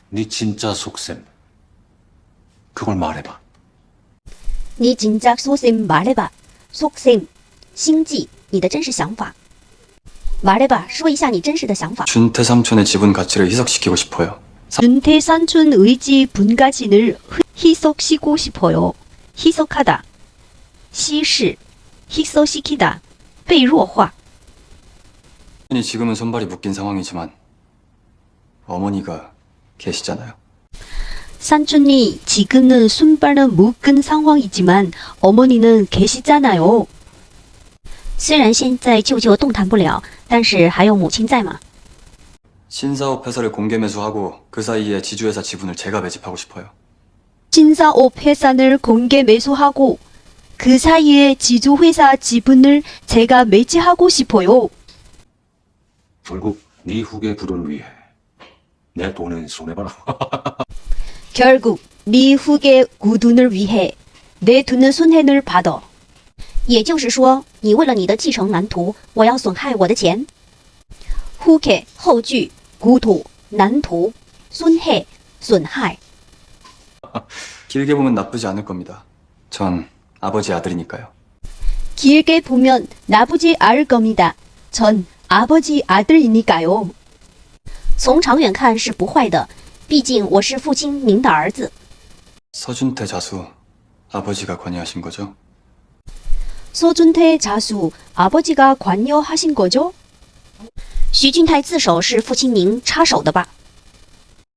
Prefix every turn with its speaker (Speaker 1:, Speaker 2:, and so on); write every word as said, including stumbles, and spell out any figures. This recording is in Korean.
Speaker 1: 네 진짜 속셈. 그걸 말해봐.
Speaker 2: 你진짜속셈 말해봐. 속셈, 心计，你的真实想法。말해봐，说一下你真实的想法。
Speaker 3: 준태 삼촌의 지분 가치를 희석시키고 싶어요.
Speaker 2: 준태 삼촌의 지분 가치를 희석시키고 싶어요. 희석하다, 稀释, 희석시키다, 被弱化.
Speaker 3: 삼촌이 지금은 손발이 묶인 상황이지만 어머니가 계시잖아요.
Speaker 2: 삼촌이 지금은 손발은 묶은 상황이지만 어머니는 계시잖아요. 虽然现在舅舅动弹不了，但是还有母亲在嘛。
Speaker 3: 신사업 회사를 공개 매수하고 그 사이에 지주회사 지분을 제가 매집하고 싶어요.
Speaker 2: 신사업 회사를 공개 매수하고 그 사이에 지주회사 지분을 제가 매집하고 싶어요.
Speaker 1: 결국 네 후계 부도를 위해 내 돈은 손해봐라.
Speaker 2: 결국 네 후계 구둔을 위해 내 돈은 손해를 받아. 也就是说，你为了你的继承蓝图，我要损害我的钱。후계后句，구도蓝图，손해损害。
Speaker 3: 길게 보면 나쁘지 않을 겁니다. 전 아버지 아들이니까요.
Speaker 2: 길게 보면 나쁘지 않을 겁니다. 전 아버지 아들이니까요. 从长远看是不坏的，毕竟我是父亲您的儿子。
Speaker 3: 서준태 자수 아버지가 관여하신 거죠?
Speaker 2: 서준태 자수 아버지가 관여하신 거죠? 徐俊泰自首是父亲您插手的吧？